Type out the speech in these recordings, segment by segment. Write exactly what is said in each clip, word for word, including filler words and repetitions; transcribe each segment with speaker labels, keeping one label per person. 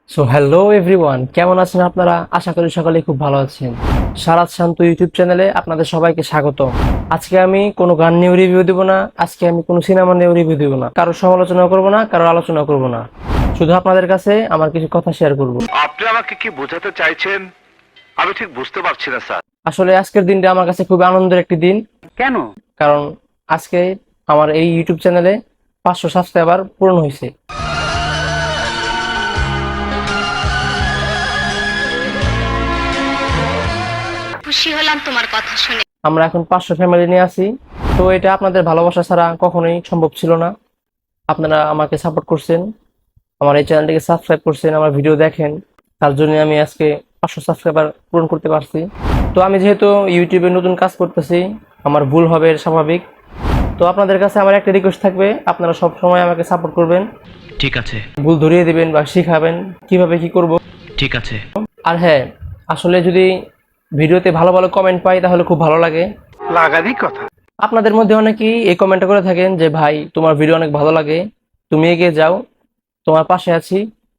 Speaker 1: So hello everyone, কেমন আছেন আপনারা? আশা করি সকলে খুব ভালো আছেন। সারাত শান্ত ইউটিউব চ্যানেলে আপনাদের সবাইকে স্বাগত। আজকে আমি কোনো গান নিয়ে রিভিউ দিব না, আজকে আমি কোনো সিনেমা নিয়ে রিভিউ দিব না, কারো সমালোচনা করব না, কারো আলোচনা করব না। শুধু আপনাদের কাছে আমার কিছু কথা শেয়ার করব।
Speaker 2: আপনি আমাকে কি বোঝাতে চাইছেন আমি ঠিক বুঝতে পারছি না স্যার।
Speaker 1: আসলে আজকের দিনটা আমার কাছে খুব আনন্দের একটি দিন।
Speaker 2: কেন?
Speaker 1: কারণ আজকে আমার এই ইউটিউব চ্যানেলে পাঁচশো সাবস্ক্রাইবার পূরণ হয়েছে।
Speaker 3: খুশি হলাম তোমার কথা শুনে।
Speaker 1: আমরা এখন পাঁচশো ফ্যামিলি নিয়ে আছি। তো এটা আপনাদের ভালোবাসা ছাড়া কখনোই সম্ভব ছিল না। আপনারা আমাকে সাপোর্ট করছেন, আমার এই চ্যানেলটিকে সাবস্ক্রাইব করছেন, আমার ভিডিও দেখেন, তার জন্য আমি আজকে পাঁচশো সাবস্ক্রাইবার পূরণ করতে পারছি। তো আমি যেহেতু ইউটিউবে নতুন কাজ করতেছি, আমার ভুল হবে এর স্বাভাবিক। তো আপনাদের কাছে আমার একটা রিকোয়েস্ট থাকবে, আপনারা সব সময় আমাকে সাপোর্ট করবেন,
Speaker 4: ঠিক আছে
Speaker 1: ভুল ধরিয়ে দিবেন বা শিখাবেন কিভাবে কি করব।
Speaker 4: ঠিক আছে
Speaker 1: আর হ্যাঁ, আসলে যদি ভিডিওতে ভালো ভালো কমেন্ট পাই তাহলে খুব ভালো লাগে।
Speaker 2: লাগারই কথা।
Speaker 1: আপনাদের মধ্যে অনেকেই এই কমেন্ট করে থাকেন যে ভাই তোমার ভিডিও অনেক ভালো লাগে, তুমি এগিয়ে যাও, তোমার পাশে আছি।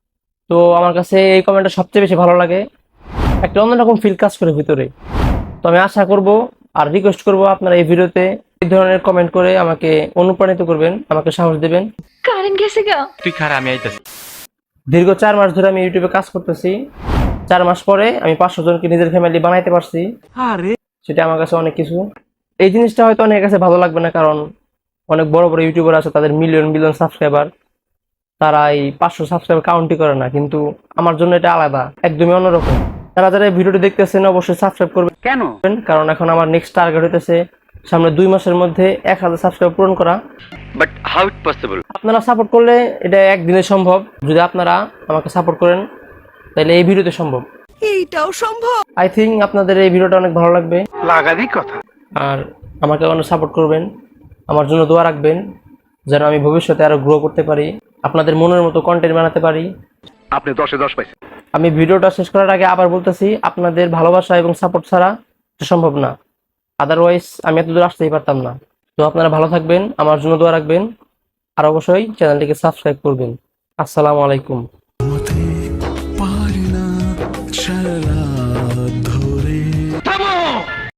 Speaker 1: তো আমার কাছে এই কমেন্টটা সবচেয়ে বেশি ভালো লাগে, একটা অন্যরকম ফিল কাজ করে ভিতরে। তো আমি আশা করব আর রিকোয়েস্ট করব আপনারা এই ভিডিওতে এই ধরনের কমেন্ট করে আমাকে অনুপ্রাণিত করবেন, আমাকে সাহস দেবেন।
Speaker 3: কারেন্ট গেছে গা।
Speaker 4: তুই খারাপ, আমি আইতাছি।
Speaker 1: দীর্ঘ চার মাস ধরে আমি ইউটিউবে কাজ করতেছি, চার মাস পরে আমি পাঁচশো জনকে নিজের ফ্যামিলি বানাইতে পারছি। সেটা আমার কাছে অনেক কিছু। এই জিনিসটা হয়তো অনেকের কাছে ভালো লাগবে না, কারণ অনেক বড় বড় ইউটিউবার আছে, তাদের মিলিয়ন মিলিয়ন সাবস্ক্রাইবার, তারা এই পাঁচশো সাবস্ক্রাইবার কাউন্টই করে না। কিন্তু আমার জন্য এটা আলাদা, একদমই অন্যরকম। তারা যারা এই ভিডিওটি দেখতেছেন অবশ্যই সাবস্ক্রাইব করবেন।
Speaker 2: কেন?
Speaker 1: কারণ এখন আমার নেক্সট টার্গেট হইতেছে সামনে দুই মাসের মধ্যে এক হাজার সাবস্ক্রাইব পূরণ করা।
Speaker 2: But how it possible?
Speaker 1: আপনারা সাপোর্ট করলে এটা একদিনে সম্ভব। যদি আপনারা আমাকে সাপোর্ট করেন তাহলে এই ভিডিওতে সম্ভব।
Speaker 5: এইটাও সম্ভব।
Speaker 1: আই থিঙ্ক আপনাদের এই ভিডিওটা অনেক ভালো লাগবে।
Speaker 2: লাগারই কথা।
Speaker 1: আর আমাকে অনেক সাপোর্ট করবেন, আমার জন্য দোয়া রাখবেন, যেন আমি ভবিষ্যতে আরো গ্রো করতে পারি, আপনাদের মনের মতো কন্টেন্ট বানাতে পারি।
Speaker 2: আপনি দশে দশ পাইছেন।
Speaker 1: আমি ভিডিওটা শেষ করার আগে আবার বলতেছি, আপনাদের ভালোবাসা এবং সাপোর্ট ছাড়া এটা সম্ভব না। আদারওয়াইজ আমি এত দূর আসতেই পারতাম না। তো আপনারা ভালো থাকবেন, আমার জন্য দোয়া রাখবেন, আর অবশ্যই চ্যানেলটিকে সাবস্ক্রাইব করবেন। আসসালামু আলাইকুম।